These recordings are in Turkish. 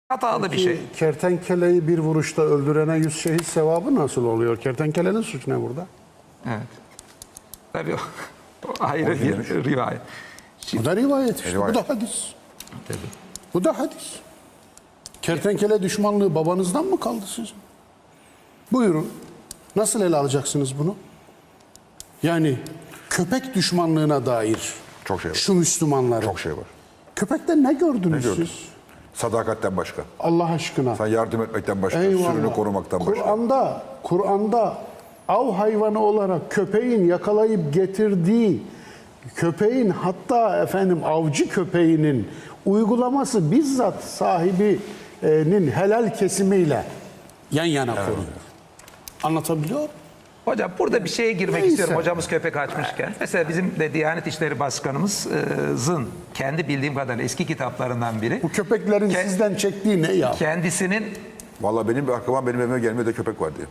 Hatalı bir Peki, şey. kertenkeleyi bir vuruşta öldürene 100 şehit sevabı nasıl oluyor? Kertenkelenin suçu ne burada? Evet. Tabii o ayrı bir rivayet. Bu da rivayet işte. Rivayet. Bu da hadis. Tabii. Bu da hadis. Kertenkele düşmanlığı babanızdan mı kaldı sizin? Buyurun. Nasıl ele alacaksınız bunu? Yani köpek düşmanlığına dair Çok şey var. şu Müslümanların. Çok şey var. Köpekte ne gördünüz Ne gördün? siz? Sadakatten başka. Allah aşkına. Sen yardım etmekten başka. Eyvallah. Sürünü korumaktan başka. Kur'an'da av hayvanı olarak köpeğin yakalayıp getirdiği köpeğin, hatta avcı köpeğinin uygulaması bizzat sahibinin helal kesimiyle yan yana konuyor. Anlatabiliyor muyum? Hocam burada bir şeye girmek Neyse. istiyorum. Hocamız köpek açmışken. Mesela bizim de Diyanet İşleri Başkanımızın kendi bildiğim kadarıyla eski kitaplarından biri. Bu köpeklerin sizden çektiği ne ya? Kendisinin Vallahi benim bir aklıma benim evime gelmeye de köpek var diye.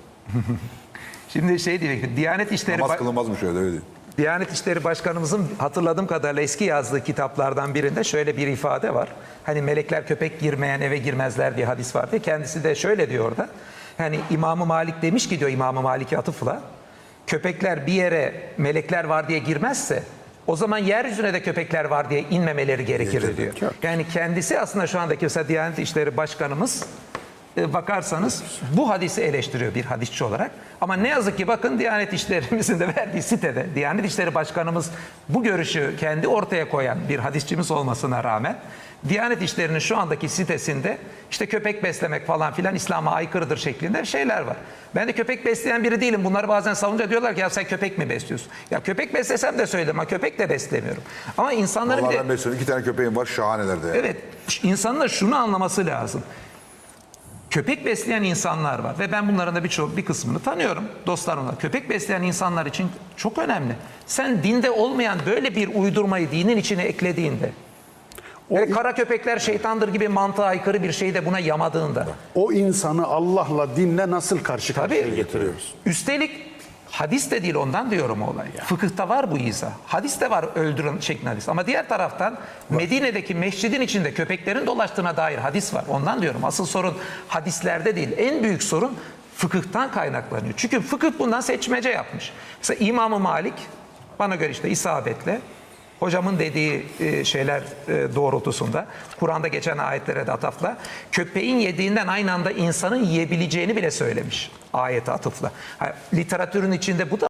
şimdi şey diyecektim. Namaz kılınmazmış öyle değil. Diyanet İşleri Başkanımızın hatırladığım kadarıyla eski yazdığı kitaplardan birinde şöyle bir ifade var. Hani melekler köpek girmeyen eve girmezler diye hadis var diye. Kendisi de şöyle diyor orada. Hani İmam-ı Malik demiş ki diyor, İmam-ı Malik'e atıfla, köpekler bir yere melekler var diye girmezse o zaman yeryüzüne de köpekler var diye inmemeleri gerekir diyor. Yani kendisi aslında şu andaki mesela Diyanet İşleri Başkanımız bakarsanız bu hadisi eleştiriyor bir hadisçi olarak. Ama ne yazık ki bakın Diyanet İşlerimizin de verdiği sitede Diyanet İşleri Başkanımız bu görüşü kendi ortaya koyan bir hadisçimiz olmasına rağmen Diyanet İşleri'nin şu andaki sitesinde işte köpek beslemek falan filan İslam'a aykırıdır şeklinde şeyler var. Ben de köpek besleyen biri değilim. Bunları bazen savunca diyorlar ki ya sen köpek mi besliyorsun? Ya köpek beslesem de söyledim ama köpek de beslemiyorum. Ama insanların Vallahi bir de, ben besliyorum. 2 tane köpeğim var. Şahaneler de. Yani. evet, insanın da şunu anlaması lazım. Köpek besleyen insanlar var ve ben bunların da bir kısmını tanıyorum. Dostlarımla. Köpek besleyen insanlar için çok önemli. Sen dinde olmayan böyle bir uydurmayı dinin içine eklediğinde, kara köpekler şeytandır gibi mantığa aykırı bir şeyi de buna yamadığında. O insanı Allah'la, dinle nasıl karşı karşıya Tabii. getiriyoruz? Üstelik hadis de değil, ondan diyorum olay. Fıkıhta var bu izah. Hadis de var öldürün şeklinde hadis. Ama diğer taraftan Medine'deki mescidin içinde köpeklerin dolaştığına dair hadis var. Ondan diyorum. Asıl sorun hadislerde değil. En büyük sorun fıkıhtan kaynaklanıyor. Çünkü fıkıh bundan seçmece yapmış. Mesela İmam-ı Malik bana göre işte isabetle hocamın dediği şeyler doğrultusunda Kur'an'da geçen ayetlere de atıfla köpeğin yediğinden aynı anda insanın yiyebileceğini bile söylemiş ayete atıfla. Literatürün içinde bu da